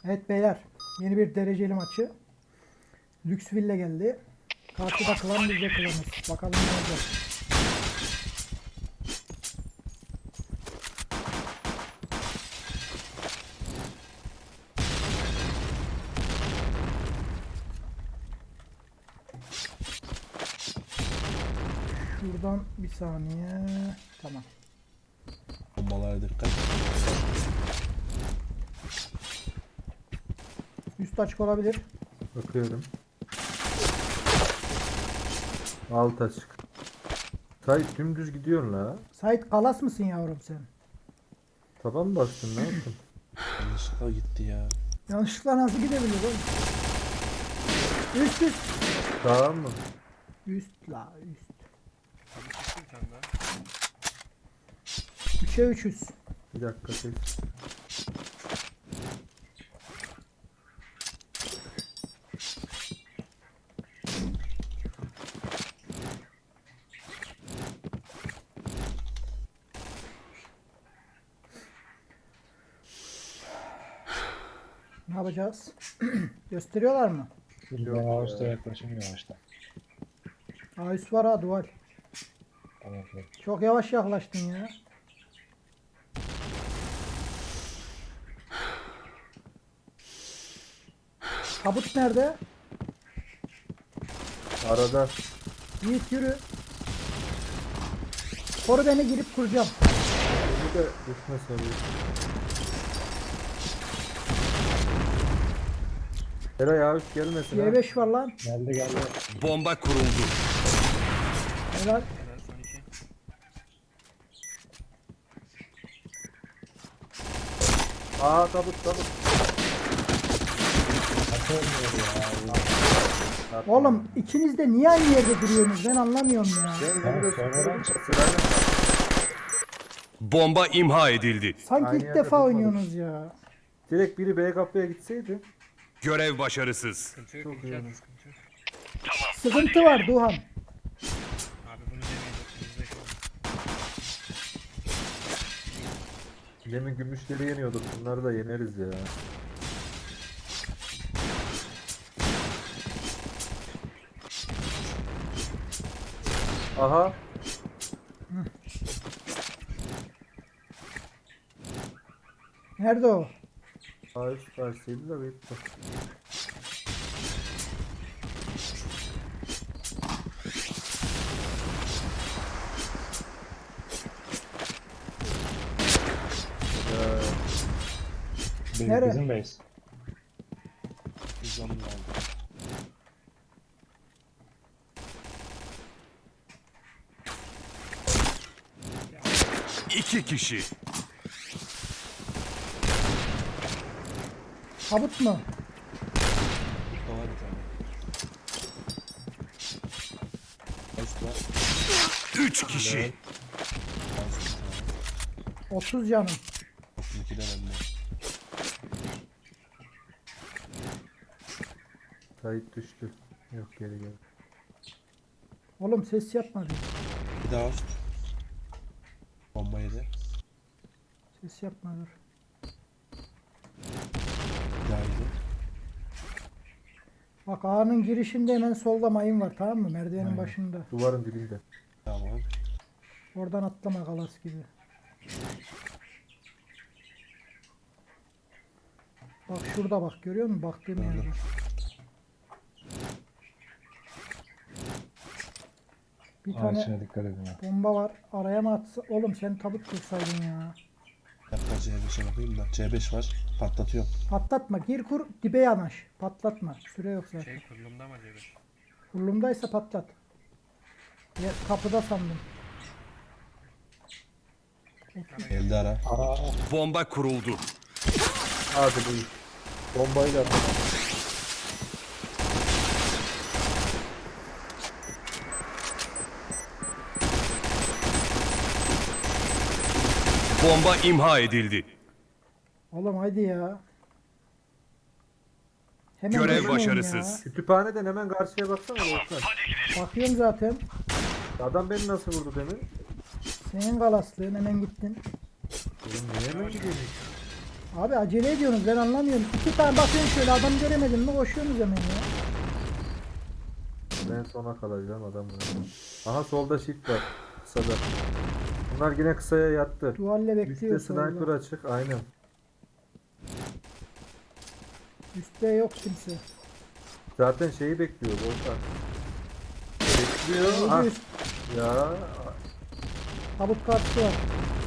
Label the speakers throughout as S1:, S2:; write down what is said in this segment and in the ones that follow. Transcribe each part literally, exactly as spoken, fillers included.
S1: Evet beyler, yeni bir dereceli maçı. Lüksville geldi. Karşıda klan bizde klanız. Bakalım ne olacak. Şuradan bir saniye. Tamam.
S2: Bombalara dikkat.
S1: Üst açık olabilir.
S3: Bakıyorum. Alt açık. Sait dümdüz gidiyorsun la.
S1: Sait kalas mısın yavrum sen?
S3: Taban mı bastın ne yaptın?
S2: Yanlışlıkla gitti ya.
S1: Yanlışlıkla nasıl gidebilir oğlum? Üst üst.
S3: Sağ mı?
S1: Üst la üst. Üçe üçüz.
S3: Bir dakika tek.
S1: Ne yapacağız? Gösteriyorlar mı?
S3: Yok
S4: Ben
S3: ya.
S4: Ağustos'ta yaklaşım yavaşta.
S1: Aa üst var ha duvar.
S4: Tamam. Evet.
S1: Çok yavaş yaklaştın ya. Tabut nerede?
S3: Arada.
S1: Yiğit yürü. Koru beni girip kuracağım.
S3: Bir de düşme seviyor. Eray abi gelmesin ha.
S1: C beş var lan.
S4: Geldi geldi.
S5: Bomba kuruldu.
S1: Helal.
S3: Aa tabut tabut.
S4: Nasıl olmuyor ya?
S1: Oğlum ikiniz de niye aynı yerde duruyorsunuz? Ben anlamıyorum ya.
S3: Ben
S4: Ben
S3: ben de
S4: sonradan
S3: sırayla.
S5: Bomba imha edildi.
S1: Sanki
S3: Aynı
S1: ilk
S3: yerde
S1: defa
S3: durmadık.
S1: oynuyorsunuz ya.
S3: Direkt biri B kapıya gitseydi.
S5: Görev başarısız.
S3: Çok iyi.
S1: Sıkıntı var Duhan.
S6: Abi bunu demeyecektim. Bizde şu an.
S3: Demin gümüşleri yeniyorduk. Bunları da yeneriz ya. Aha.
S1: Nerede o?
S3: A üst verseydi de bitti. Ya,
S4: bizim,
S1: Nereye?
S4: bizim base.
S2: Hızlan aldı.
S5: İki kişi.
S1: Tabut mu?
S2: Burada var bir tane. Üst var.
S5: Üç kişi.
S2: Fazla bir tane.
S1: otuz canım.
S2: otuz iki de bende.
S3: Sait düştü. Yok geri gel.
S1: Oğlum ses yapma bir.
S2: Bir daha üst. Bomba yedi.
S1: Ses yapma dur.
S2: Bir daha yedi.
S1: Bak A'nın girişinde hemen solda mayın var tamam mı? Merdivenin başında.
S3: Duvarın dibinde.
S2: Tamam.
S1: Oradan atlama kalas gibi. Bak şurada bak görüyor musun? Baktığım
S2: Gördüm.
S1: yerde. Bir
S4: Aa,
S1: tane
S4: içine dikkat edin ha.
S1: bomba var. Araya mı atsa? Oğlum sen tabut kursaydın ya.
S2: Bir dakika C beşe bakayım da. C beş var. Patlatıyorum.
S1: Patlatma. Gir kur. Dibe yanaş. Patlatma. Süre yok zaten.
S6: Şey kurulumda mı acaba?
S1: Kurulumdaysa patlat. Ya, kapıda sandım.
S2: Elde ara.
S4: Aa,
S5: Bomba kuruldu.
S3: Hadi buyur. Bombayla atın.
S5: Bomba imha edildi.
S1: Oğlum haydi ya. Hemen
S5: Görev
S1: geçmeyin
S5: başarısız.
S3: Kütüphaneden hemen karşıya baksana Volkan.
S1: ya. Bakıyorum zaten.
S3: Adam beni nasıl vurdu demin?
S1: Senin galaslığın hemen gittin.
S3: Oğlum niye hemen gidiyorsun?
S1: Abi acele ediyorsunuz ben anlamıyorum. İki tane bakıyorum şöyle adam göremedim mi koşuyorsunuz hemen ya.
S3: Ben sona kalacağım adam bunu. Aha solda shift var. Kısada. Bunlar yine kısaya yattı.
S1: Duvalle
S3: Üstte
S1: bekliyor
S3: sniper
S1: solda.
S3: açık aynen.
S1: Üstte yok kimse.
S3: Zaten şeyi bekliyor Volkan. Bekliyor. Ah,
S1: Öldü üst.
S3: ya
S1: Tabut kartı var.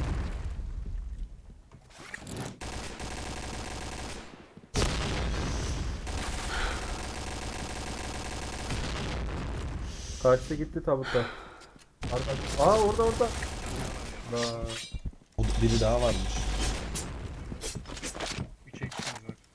S3: kaçtı gitti tabuta. Arka- Aa orada orada. Aa,
S2: O biri daha varmış.
S6: üç eksimiz var.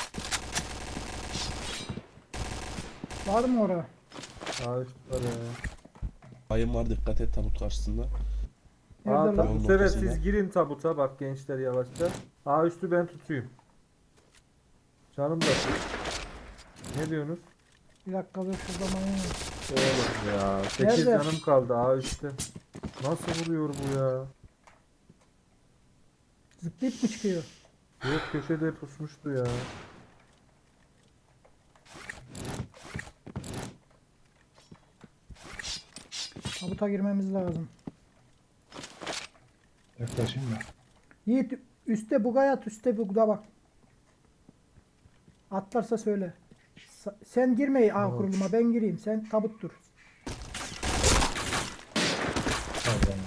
S1: Var mı ora?
S3: aa üst var ya.
S2: Bayım var, dikkat et tabut karşısında.
S1: Nerede
S3: Aa,
S1: lan?
S3: tabii bu
S2: Yolun
S3: sefer
S2: ortasında.
S3: siz girin tabuta bak gençler yavaşça. Aa üstü ben tutayım. Canım da. Ne diyorsunuz?
S1: Bir dakika dur şurada manyak.
S3: Oğlum ya. sekiz
S1: Nerede?
S3: canım kaldı aa üstte. Nasıl vuruyor bu ya?
S1: Zıplayıp mı çıkıyor?
S3: Yok köşede pusmuştu ya.
S1: Tabuta girmemiz lazım.
S4: Yaklaşayım mı?
S1: Yiğit üstte bugay at üstte bugda bak. Atlarsa söyle. Sa- sen girme A
S3: Tamam.
S1: kuruluma ben gireyim sen tabut dur.
S4: Pardon.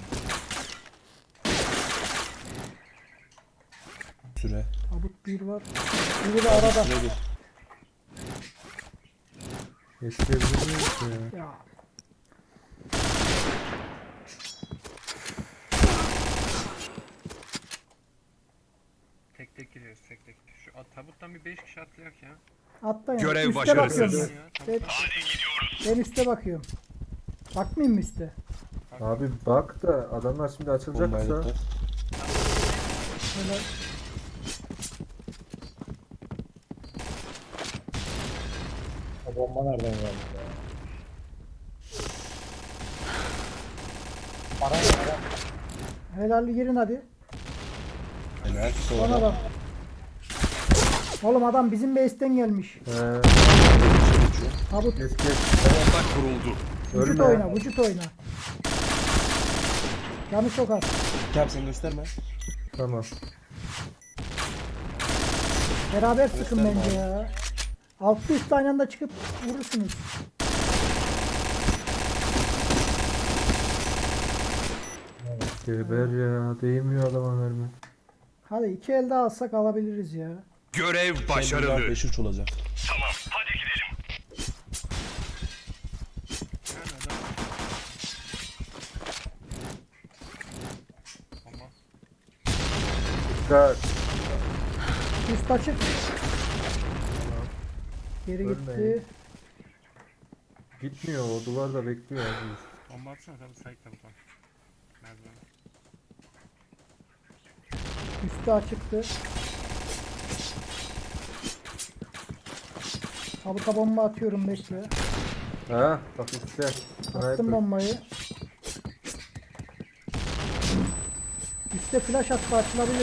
S2: Süre.
S1: Tabut bir var. Biri de arada.
S2: Süre bir.
S3: Yetişebilir miyiz ya?
S1: Ya
S6: Tek tek giriyoruz tek tek. Şu at- tabuttan bir beş kişi atlayak ya.
S1: atlayın.
S5: Görev
S1: Üste
S5: başarısız.
S1: bakıyorum
S6: Ya,
S1: ben. Ben, ben üste bakıyorum. Bakmayayım mı üste?
S3: Abi bak da adamlar şimdi
S2: Bombaya
S3: açılacaksa.
S2: dikkat.
S1: Böyle
S4: O bomba nereden geldi ya? Para ne para?
S1: helal girin hadi.
S2: Helal.
S1: Bana
S2: Sonra.
S1: bak. Oğlum adam bizim base'ten gelmiş.
S3: Ee,
S2: Geçiyor.
S1: Tabut
S3: kes kes.
S5: Bomba kuruldu.
S1: vücut
S3: Ölme.
S1: oyna vücut oyna. Yanı çok az.
S2: Tamam sen gösterme.
S3: Tamam.
S1: Beraber sıkın
S2: Gösterme
S1: bence ya. Altlı üstte aynı anda çıkıp vurursunuz.
S3: Geber ya. Değmiyor adama mermi.
S1: Hadi iki elde alsak alabiliriz ya.
S5: Görev
S2: Başarılı.
S5: başarılı.
S2: beş üç olacak.
S6: Yani adam. Bomba.
S3: Dikkat.
S1: Üst açık. Geri
S3: Ölmeyin.
S1: gitti.
S3: Gitmiyor o duvarda bekliyor abi.
S6: Bomba atsana tabii sayık tabut var. Merdiven.
S1: Üstü açıktı. Tabuta bomba atıyorum bekle.
S3: Ha bak üstte.
S1: Attım
S3: Sniper.
S1: bombayı. Üste flash attı açılabilir.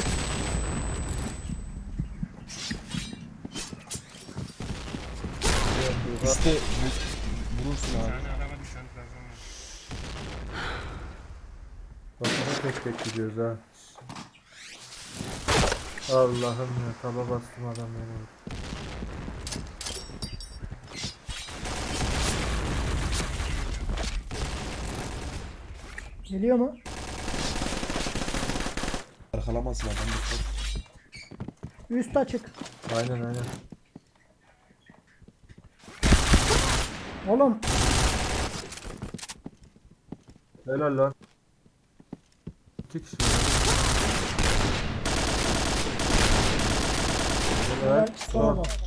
S2: Üstte vurursun
S6: Bir
S2: abi.
S6: tane araba düşen birazdan var.
S3: Bak yine tek tek gidiyoruz ha. Allah'ım ya taba bastım adam beni.
S1: Geliyor mu?
S2: Arkalamasın adam. Dikkat.
S1: Üst açık.
S3: Aynen aynen.
S1: Oğlum
S3: Helal lan. İki kişi.
S1: helal,
S3: Helal.
S1: sola bak.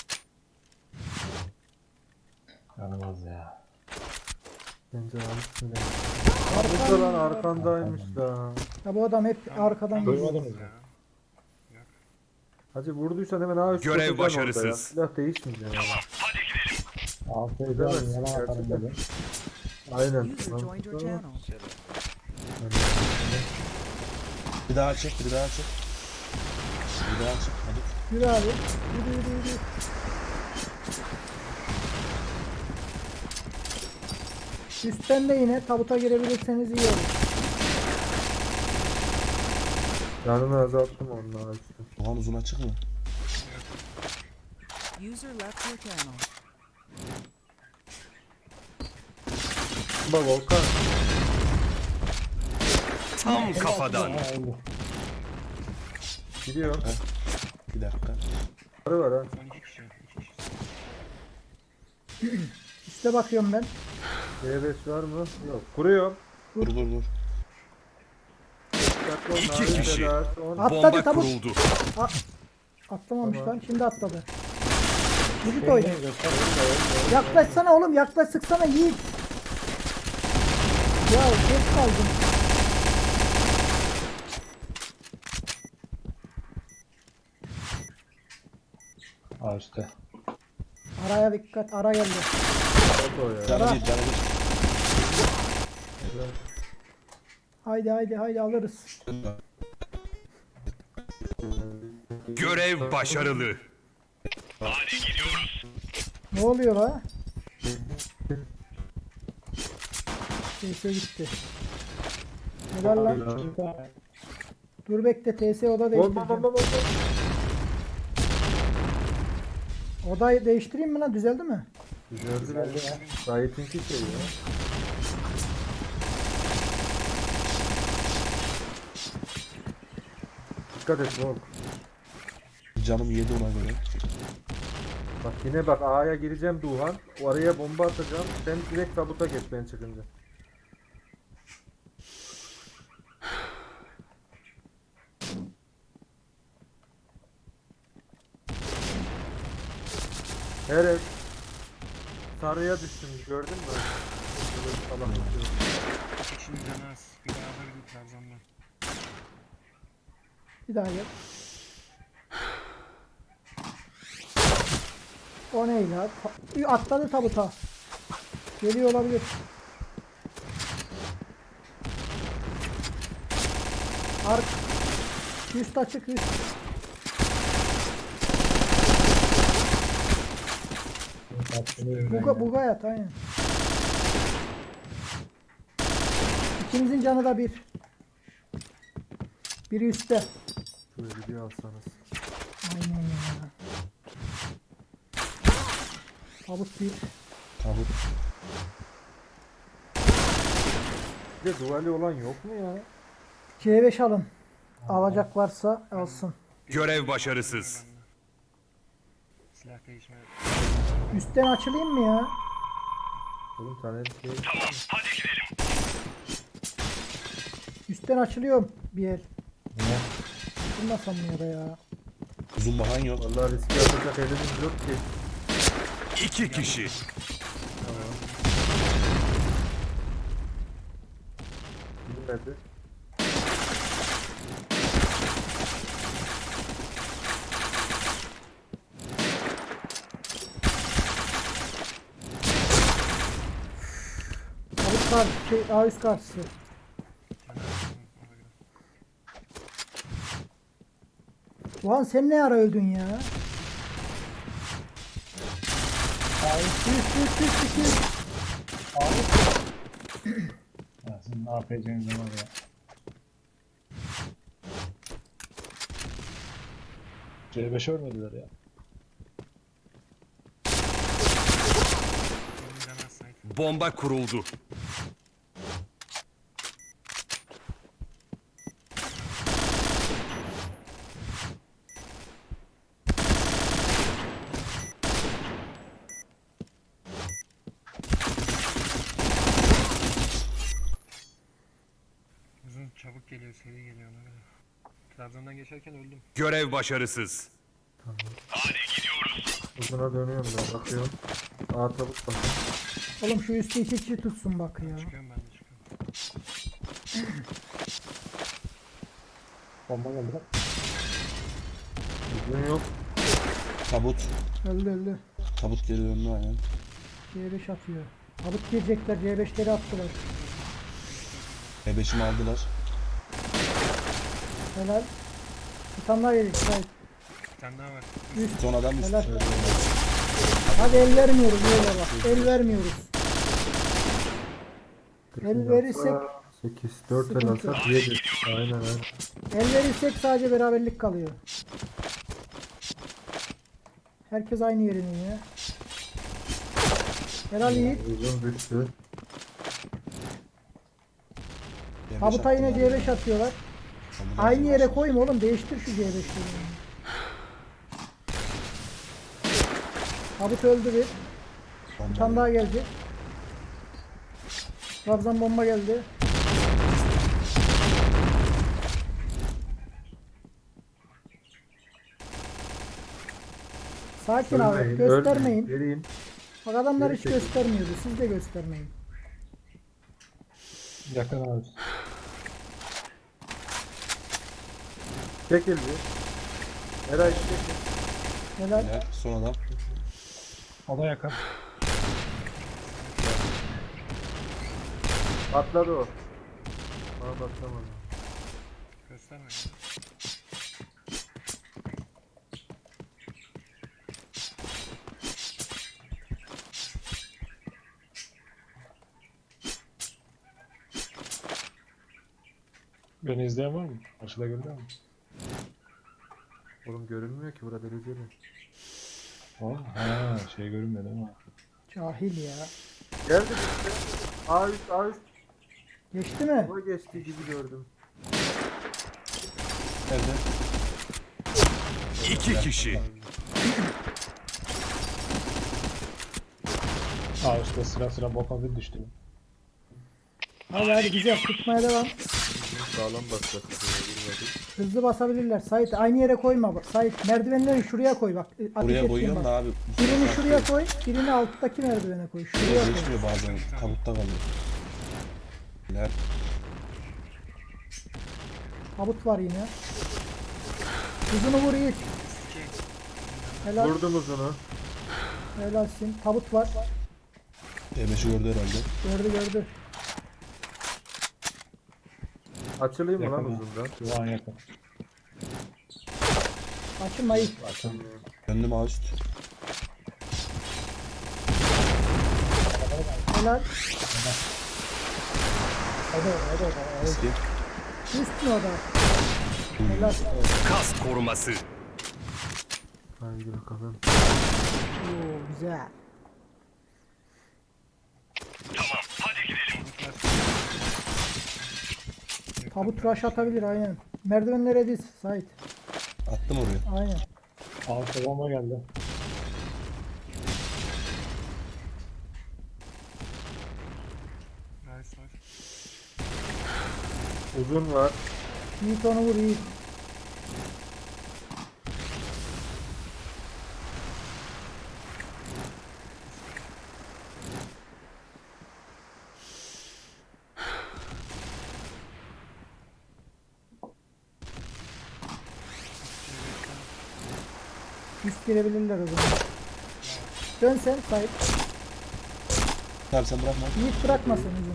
S4: Yanılmaz ya.
S3: Bence almış bile.
S1: Arkan-
S3: Burada lan arkandaymış da.
S1: Ya bu adam hep arkadan geliyor.
S4: Duymadınız mı?
S6: Ya.
S3: Hacı vurduysan hemen ağa üst
S5: Görev
S3: koşacaksın orada ya.
S5: başarısız.
S3: Silah değişmeyecek yani.
S4: Altı
S3: Edemezsin
S4: edemezsin. Yalan atarım
S3: gerçekten.
S4: dedim.
S3: Aynen.
S7: User joined your channel.
S2: Bir daha çek, bir daha çek. Bir daha çık hadi.
S1: Yürü abi. Yürü yürü yürü. Üstten de yine tabuta girebilirseniz iyi olur.
S3: Canını azalttım onunla üstü.
S2: Doğan uzun açık mı?
S7: User left your channel.
S3: Bak Volkan.
S5: Tam kafadan.
S4: Ha, öldü.
S3: Gidiyor.
S2: Bir dakika.
S3: Sarı var ha.
S6: Son iki kişi. İki kişi.
S1: Üste bakıyorum ben.
S3: C beş var mı? Yok. Kuruyor.
S2: Dur dur dur.
S3: Dikkatli olun.
S5: İki
S3: Narin
S5: kişi.
S3: Sedat, on-
S1: Atladı
S5: Bomba
S1: tabut.
S5: kuruldu.
S1: Atlamamış
S3: Tamam.
S1: lan. Şimdi atladı. Yiğit
S4: Beni
S1: oyna.
S4: göster.
S1: Yaklaşsana oğlum. Yaklaş sıksana Yiğit. Ya geç kaldım.
S4: Aa üstte.
S1: Araya dikkat. Ara geldi.
S3: Foto ya.
S2: Canı bir canı bir.
S1: Haydi haydi haydi alırız.
S5: Görev başarılı.
S1: Ne oluyor la? T S gitti. Helal lan. Dur bekle T S oda
S3: Bom bom
S1: değiştireceğim.
S3: bom bom bom.
S1: Odayı değiştireyim mi lan? Düzeldi mi?
S3: Güzeldi lan. Gayet iyi şey ya. Dikkat et Volk.
S2: Canım yedi ona göre.
S3: Bak yine bak A'ya gireceğim Duhan. Oraya bomba atacağım. Sen direkt tabuta geç ben çıkınca. Evet. Sarıya düştüm gördün mü? Böyle salak atıyor.
S6: İki kişinin canı az. Bir daha da bir Trabzon'dan.
S1: Bir daha gel. O ne ya? Ta- atladı tabuta. Geliyor olabilir. Ark. Üst açık üst. Buga, buga yat aynen. İkimizin canı da bir. Biri üstte.
S3: Şöyle bir alsanız.
S1: Aynen ya. Tabut bir.
S2: Tabut.
S3: Bir de duvali olan yok mu ya?
S1: C beş alın. Alacak varsa alsın.
S5: Görev başarısız.
S6: Silah değişme.
S1: Üstten açılayım mı ya?
S3: Oğlum tane şey.
S1: Üstten açılıyorum bir el.
S4: Niye?
S1: Bulmasam mı ya da ya?
S2: Uzun bahan yok.
S3: Vallahi riske yapacak elimiz yok ki.
S5: İki kişi.
S3: Bilmedi.
S1: Tabut karşı, şey, A üst karşısı. Ulan sen ne ara öldün ya? Üst üst üst üst üst.
S4: Ya sizin ne yapacağınız var ya. C beş ölmediler ya.
S6: Benim canı az Sait.
S5: Bomba kuruldu.
S6: Uzun çabuk geliyor, seri geliyor ona göre. Trabzon'dan geçerken öldüm.
S5: Görev başarısız.
S3: Uzuna dönüyorum ben bakıyorum. A tabut bak.
S1: Oğlum şu üstü iki kişi tutsun bak ya.
S6: Çıkıyorum ben de çıkıyorum.
S4: Bomba geldi lan.
S3: Uzun yok.
S2: Tabut.
S1: Öldü öldü.
S2: Tabut geri döndü aynen.
S1: C beş atıyor. Tabut girecekler. C beşleri attılar.
S2: E beşimi aldılar.
S1: Helal. Bir tane daha gelecek. Hayır.
S6: Bir tane daha var.
S2: Son adam üst.
S1: Helal. Hadi el vermiyoruz böyle bak. El vermiyoruz. El verirsek
S3: sekiz dört el
S1: sıkıntı.
S3: alsak yedi. Aynen aynen.
S1: el verirsek sadece beraberlik kalıyor. Herkes aynı yerine ya. Helal Yiğit.
S3: Uzun düştü.
S2: C beş
S1: Tabuta yine
S2: attılar
S1: C
S2: ya.
S1: beş atıyorlar.
S2: Ambulans
S1: Aynı yere
S2: var.
S1: koyma oğlum. Değiştir şu C beşleri. Tabut öldü bir.
S2: Bomba
S1: Bir tane daha gelecek. Trabzon bomba geldi. Sakin abi.
S3: Ölmeyin,
S1: Göstermeyin.
S3: ölmeyin. Vereyim.
S1: Bak adamlar
S3: Geri
S1: hiç
S3: çekil.
S1: göstermiyordu. Siz de göstermeyin.
S4: Yakın abi.
S3: Çekil bir. Eray çekil.
S1: Helal.
S2: Helal. Son adam.
S4: O da yakın.
S3: Atladı o. Bana baksamadım.
S6: Gösterme.
S4: Beni izleyen var mı? Karşıda görüyor mu?
S3: Oğlum görünmüyor ki burada dereceli.
S4: O, ha, şey görünmedi ama.
S1: Cahil ya.
S3: Geldi işte. A üst A üst.
S1: Geçti mi?
S3: O geçti gibi gördüm.
S2: Nerede?
S5: İki kişi.
S4: Aa işte sıra sıra boka bir düştü.
S1: Hadi hadi güzel. Tutmaya devam.
S3: Sağlam basacak.
S1: Hızlı basabilirler. Sait aynı yere koyma. bak. Sait merdivenleri şuraya koy bak. Ateş
S2: Buraya
S1: ettiğin
S2: koyuyorum
S1: bak.
S2: da abi.
S1: Birini şuraya koy. Birini alttaki merdivene koy. Şuraya koy.
S2: Geçmiyor bazen. Tabutta kalıyor. Helal.
S1: Tabut var yine. Uzunu vur Yiğit. Helal.
S3: Vurdum uzunu.
S1: Helalsin. Tabut var.
S2: C beşi gördü herhalde.
S1: Gördü gördü.
S3: Açılayım mı lan
S4: Yakın ha.
S3: uzundan?
S4: Şu an yakın.
S1: Açılma Yiğit.
S2: Döndüm ağ üst.
S1: Helal.
S4: O da o da o da.
S2: Eski.
S1: Üst mü o da? Helal.
S5: Kas koruması.
S3: Haydi bakalım.
S1: Oo, güzel. Tabut rush atabilir aynen. Merdivenlere diz Sait.
S2: Attım oraya.
S1: Aynen.
S4: Altta bomba geldi.
S6: Nice var.
S3: Uzun var.
S1: Yiğit onu vur Yiğit. Üst girebilirler o zaman. Dön sen Sait.
S2: Abi sen bırakma.
S1: Yiğit bırakmasın uzun.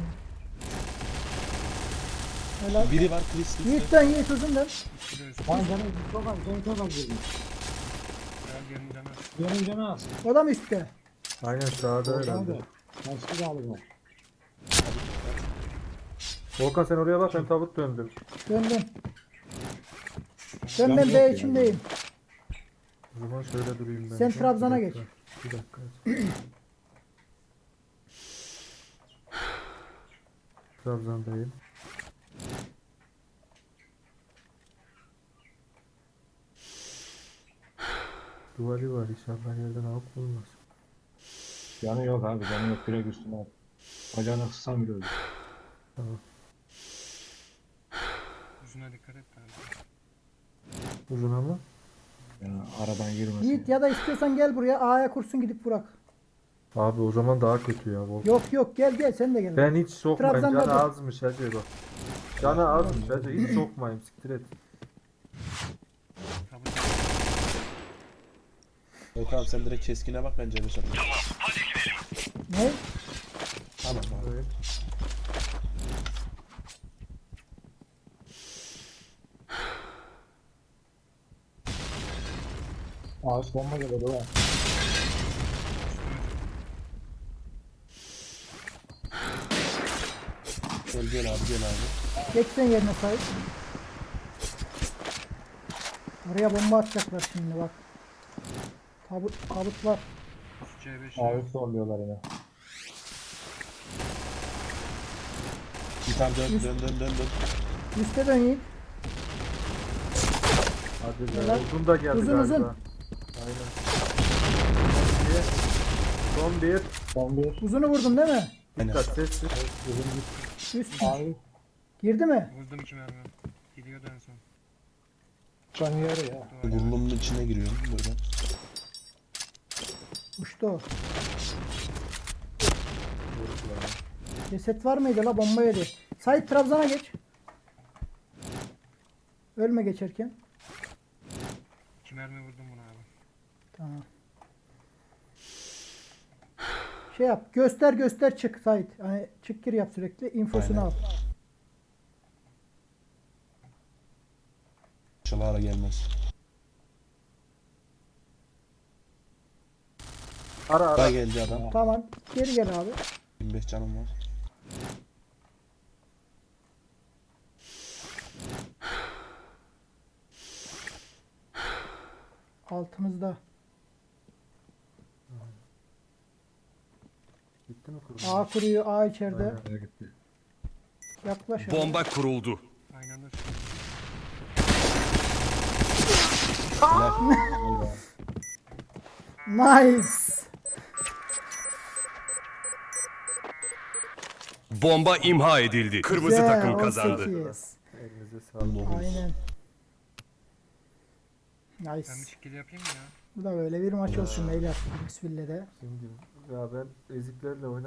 S1: Helal.
S2: Biri var Chris.
S1: Yiğit dön Yiğit uzun dön.
S4: Lan canım çok az, canım çok az girdi.
S6: Gel gelin canı.
S4: Benim canı az.
S1: O da mı üstte?
S3: Aynen sağda
S4: Hadi.
S3: herhalde.
S4: Nasıl da aldım.
S3: Volkan sen oraya bak ben tabut döndüm.
S1: Dön dön. Dön
S4: Ben
S1: ben
S4: yok
S1: B
S4: yani.
S1: içindeyim.
S3: O zaman şöyle durayım ben.
S1: Sen
S3: de.
S1: Trabzon'a
S3: Bir
S1: geç.
S3: dakika, Bir dakika. Trabzon'dayım. Duvarı var inşallah yerden alıp bulmaz.
S4: Canı yok abi, canı yok. Direkt üstüne at. Bacağını kıssam bile öldü.
S3: Tamam.
S6: Yüzüne dikkat et abi.
S3: Uzun ama.
S4: Yani aradan girmesin.
S1: Yiğit ya da istiyorsan gel buraya A'ya kursun gidip bırak.
S3: Abi o zaman daha kötü ya Volkan.
S1: Yok yok gel gel sen de gel.
S3: Ben hiç sokmayayım.
S1: Trabzon'da
S3: Canı
S1: dur.
S3: azmış hacı bak. Canı azmış hacı. Hiç sokmayayım. Siktir et.
S6: Tabut.
S2: Yok abi sen direkt keskine bak ben C beş atayım.
S1: Ne?
S2: Tamam abi.
S3: Evet.
S4: Bomba geliyor ha.
S2: Gel gel abi gel abi.
S1: Geç sen yerine sahip. Oraya bomba atacaklar şimdi bak. Tabut, tabut var.
S6: Üst C beş.
S4: Abi zorluyorlar yine.
S2: Bir tane dön dön dön dön dön.
S1: Üste dön Yiğit.
S3: Hadi be.
S1: Helal.
S3: Uzun da geldi
S1: Uzun,
S3: galiba.
S1: uzun.
S3: Aynen. Son bir.
S4: Son bir.
S1: Uzunu vurdum değil mi?
S2: Aynen.
S3: Dikkat sessiz.
S4: Uzun bir.
S1: Üst.
S4: Abi.
S1: Girdi mi?
S6: Vurdum iki mermi. Gidiyordu en son.
S4: Can yarı ya.
S2: Burnumun içine giriyorum böyle.
S1: Uçtu o. Ceset var mıydı la, bomba yedi. Sait Trabzon'a geç. Ölme geçerken.
S6: İki mermi vurdum buna abi.
S1: Tamam. Şey yap. Göster göster çık Sait. Hani çık gir yap sürekli. İnfosunu
S2: Aynen.
S1: al.
S2: İnşallah ara gelmez.
S3: Ara ara.
S2: Daha geldi adam.
S1: Tamam. Geri gel abi.
S2: yirmi beş canım var.
S1: Altımızda.
S3: Gitti mi kurban?
S1: A kuruyor. A içeride.
S3: Aynen.
S4: Nereye gitti?
S1: Yaklaş abi.
S5: Bomba kuruldu.
S6: Aynen öyle.
S1: Nice.
S5: Bomba imha edildi. Kırmızı
S1: Güzel,
S5: takım kazandı.
S1: on sekiz.
S3: Elinize sağlık.
S2: dokuz.
S1: Aynen. Nice.
S6: Ben bir çikkili yapayım mı ya?
S1: Bu da böyle bir maç olsun beyler. Bismillah'de.
S3: Şimdi ya ben eziklerle oynadım.